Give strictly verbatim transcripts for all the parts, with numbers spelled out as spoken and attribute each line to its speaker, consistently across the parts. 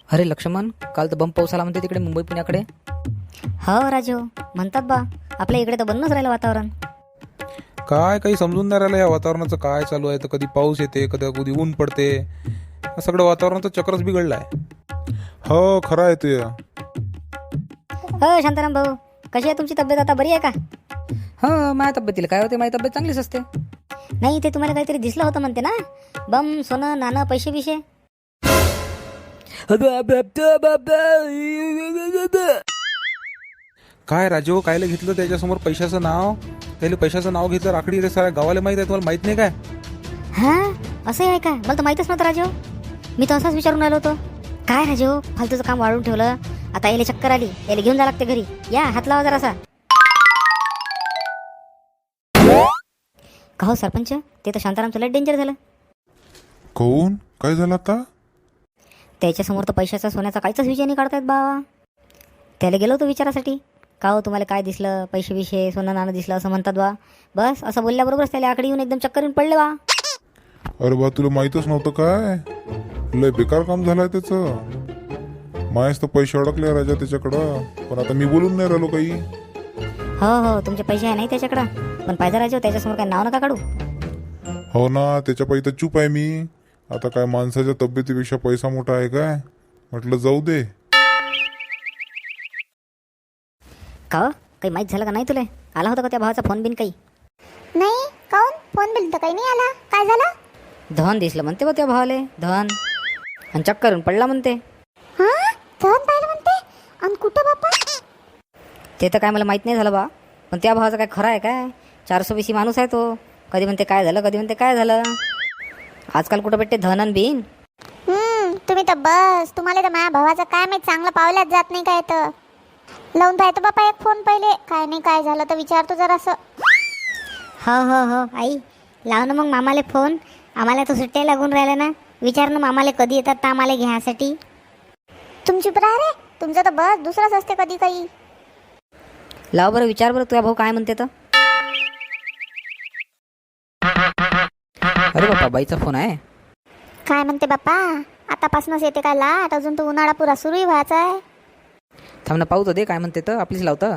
Speaker 1: अरे लक्ष्मण, काल तर बंब पाऊस आला म्हणते तिकडे मुंबई पुण्याकडे.
Speaker 2: हो राजू, म्हणतात बा आपल्या इकडे तर बंदच राहिलं वातावरण.
Speaker 3: काय काही समजून नाही राहिलं या वातावरणाचं काय चालू आहे. तर कधी पाऊस येते, कधी कधी ऊन पडते. सगळं वातावरणाचं चक्रच बिघडलं आहे. हो खरं आहे ते.
Speaker 2: हो शांताराम भाऊ, कशी आहे तुमची तब्येत आता, बरी आहे का?
Speaker 1: हो, माझ्या तब्येतीला काय होते, माझी तब्येत चांगलीच असते.
Speaker 2: नाही, ते तुम्हाला काहीतरी दिसलं होतं म्हणते ना, बम सोनं नाणं पैसे बिशे.
Speaker 3: काय राजू, कायले घेतलं त्याच्यासमोर पैशाचं नाव? त्याला पैशाचं नाव घेतलं राखडी रे, साऱ्या गावाला माहित आहे. तुम्हाला माहित नाही काय?
Speaker 2: हा असं आहे का? मला तर माहीतच नव्हतं राजू. मी तर असाच विचारून राहिलो होतो. काय राजू, फालतूचं काम वाढवून ठेवलं. आता याला चक्कर आली, याला घेऊन जा लागते घरी. या हात लावा जरासा. का हो सरपंच, ते तर शांतारामचं लय डेंजर झालं.
Speaker 4: कोण काय झालं आता?
Speaker 2: त्याच्यासमोर तर पैशाचा सोन्याचा काहीच विषय नाही काढतायत बा. त्याला गेलो होतो विचारासाठी, का हो तुम्हाला काय दिसलं, पैसे बिशे सोनं नाणं दिसलं असं म्हणतात बा. बस असं बोलल्याबरोबरच त्याला आकडे येऊन एकदम चक्कर येऊन पडले बा.
Speaker 4: अरे बा, तुला माहीतच नव्हतं काय? लय बेकार काम झालंय त्याचं. मायच तर पैसे अडकले राजा त्याच्याकडं. पण आता मी बोलून नाही राहिलो काही.
Speaker 2: हो हो, तुमचे पैसे आहे नाही त्याच्याकडं, पण पाहिजे राजू त्याच्यासमोर काय नाव नका काढू.
Speaker 4: हो ना, त्याच्या पायी तर चूप आहे मी. आता काय माणसाच्या तब्येतीपेक्षा पैसा मोठा आहे काय? म्हटलं जाऊ दे.
Speaker 2: का हो, काही माहीत झालं का नाही तुला? आला होता का त्या भावाचा फोन बिन काही?
Speaker 5: नाही, काऊन फोन बिल तर काही नाही आला. काय झालं?
Speaker 2: धन दिसलं म्हणते बा त्या भावाले, धन. आणि चक्कर येऊन पडला म्हणते.
Speaker 5: हा, धन पाहिलं म्हणते. आणि कुठं बापा?
Speaker 2: ते तर काय मला माहीत नाही झालं बा. पण त्या भावाचं काय खरं आहे काय? चारसो बीसी माणूस आहे तो. कधी म्हणते काय झालं, कधी म्हणते काय झालं. आजकाल कुठं भेटते धन आणि बिन.
Speaker 5: हम्म तुम्ही तर बस, तुम्हाला तर माझ्या भावाचं काय माहित, चांगलं पावल्यात जात नाही काय. तर लावून पाहतो बापा एक फोन पहिले. काय नाही काय झालं तर विचारतो जरासं.
Speaker 2: हो हो हो आई, लाव ना मग मामाले फोन. आम्हाला तर सुट्ट्या लागून राहिल्या ना. विचार ना मामाले कधी येतात तर आम्हाला घ्यायसाठी.
Speaker 5: तुमची बरं रे, तुमचं तर बस दुसरंच असते कधी काही.
Speaker 2: लाव बरं, विचार बरं तुझ्या भाऊ काय म्हणते तर.
Speaker 1: अरे बापा, बाईचा फोन आहे.
Speaker 5: काय म्हणते बाप्पा? आतापासूनच येते काय लाट? अजून तो उन्हाळा पुरा सुरूही व्हायचा आहे.
Speaker 1: थांब ना, पाहू तर दे काय म्हणते तर. आपलीच लावतं.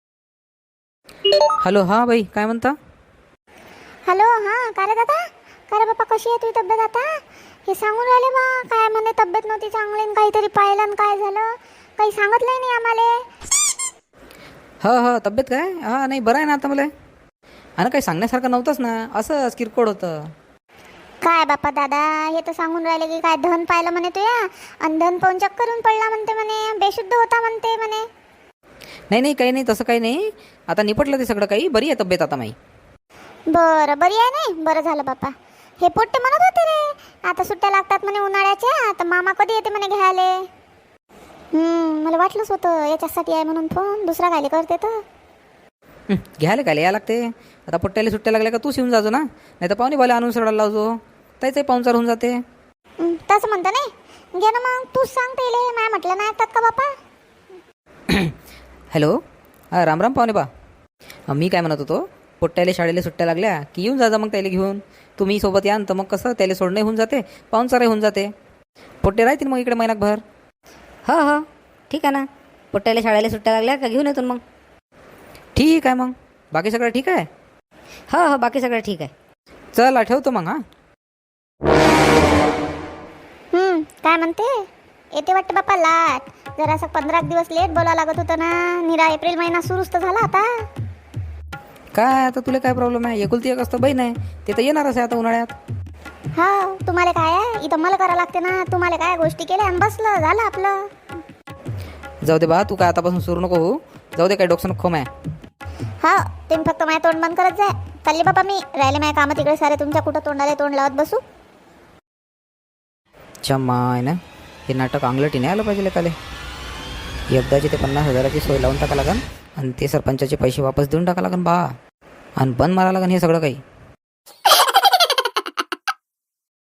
Speaker 1: हॅलो, हा बाई, काय म्हणता?
Speaker 5: हॅलो, हां का रे दादा? का रे बाप्पा, कशी आहे तुझी तब्येत आता? हे सांगून राहिले बा, काय म्हणे तब्येत नव्हती चांगली आणि काहीतरी पाहिलं आणि काय झालं, काही सांगितलंही नाही आम्हाला.
Speaker 1: हो हो, तब्येत काय? हा नाही, बरं आहे ना आता मला. आणि काही सांगण्यासारखं नव्हतंच ना, असंच किरकोळ होतं.
Speaker 5: काय बाप्पा दादा, हे तर सांगून राहिले की काय धन पाहिलं म्हणे तुया, आणि धन पाहून चक्कर येऊन पडला म्हणते म्हणे, बेशुद्ध होता म्हणते म्हणे.
Speaker 1: नाही नाही, काही नाही, तसं काही नाही. आता निपटलं ते सगळं काही. बरी आहे तब्येत आता माई.
Speaker 5: बरं, बरी आहे नाही, बरं झालं बाप्पा. हे पोट्टे म्हणत होते रे, आता सुट्ट्या लागतात म्हणे उन्हाळ्याच्या, तर मामा कधी येते म्हणे घ्यायले. हम्म मला वाटलंच होतं याच्यासाठी आहे म्हणून फोन, दुसरा काय करते तर.
Speaker 1: हं, घ्यायला काय या लागते. आता पोट्ट्याला सुट्ट्या लागल्या का तूच येऊन जाजो ना, नाही तर पाहुणे बाला आणून सोडायला लावजो. त्याचंही पाहुणचार होऊन जाते.
Speaker 5: हं, तसं म्हणतं नाही, घे ना मग तूच सांगते इले, माय म्हटलं नाही ऐकतात का बाप्पा?
Speaker 1: हॅलो, हां राम राम पाहुणे बा. अं, मी काय म्हणत होतो, पोट्ट्याला शाळेला सुट्ट्या लागल्या की येऊन जा मग त्याला घेऊन. तुम्ही सोबत यान तर मग कसं त्याला सोडणंही होऊन जाते, पाहुणचारही होऊन जाते. पोट्टे राहतील मग इकडे महिनाभर.
Speaker 2: हो हो ठीक आहे ना. पोट्ट्याला शाळेला सुट्ट्या लागल्या का घेऊन येतो मग.
Speaker 1: ठीक आहे मग. बाकी सगळं ठीक आहे?
Speaker 2: हो हो, बाकी सगळं ठीक आहे.
Speaker 1: चल ठेवतो मग. हां
Speaker 5: हं, काय म्हणते? येते वाटते बाप्पा लाट. जरासं पंधरा दिवस लेट बोलावं लागत होतं ना. निरा एप्रिल महिना सुरूच तर झाला आता.
Speaker 1: काय आता तुला काय प्रॉब्लेम आहे? एकुलती एक असतं बहीण आहे, ते तर येणारच आहे आता उन्हाळ्यात.
Speaker 5: हा, तुम्हाला काय आहे, इथं मला करावं लागते ना. तुम्हाला काय गोष्टी केल्या आणि बसलं झालं आपलं.
Speaker 1: जाऊ दे बा, तू काय आतापासून सुरू नको हो. जाऊ दे, काय डोक्सन खोम आहे.
Speaker 5: हा, तुम्ही फक्त माझ्या तोंड बंद करत जाय. चालले बाबा मी, राहिले माझ्या कामं तिकडे सारे. तुमच्या कुठं तोंडाला तोंड लावत बसू.
Speaker 1: चमाय ना, हे नाटक अंगलटी नाही आलं पाहिजे त्याला. एकदाची ते पन्नास हजाराची सोय लावून टाका लागन आणि ते सरपंचाचे पैसे वापस देऊन टाका लागन बा, आणि बंद मारा लागन हे सगळं काही.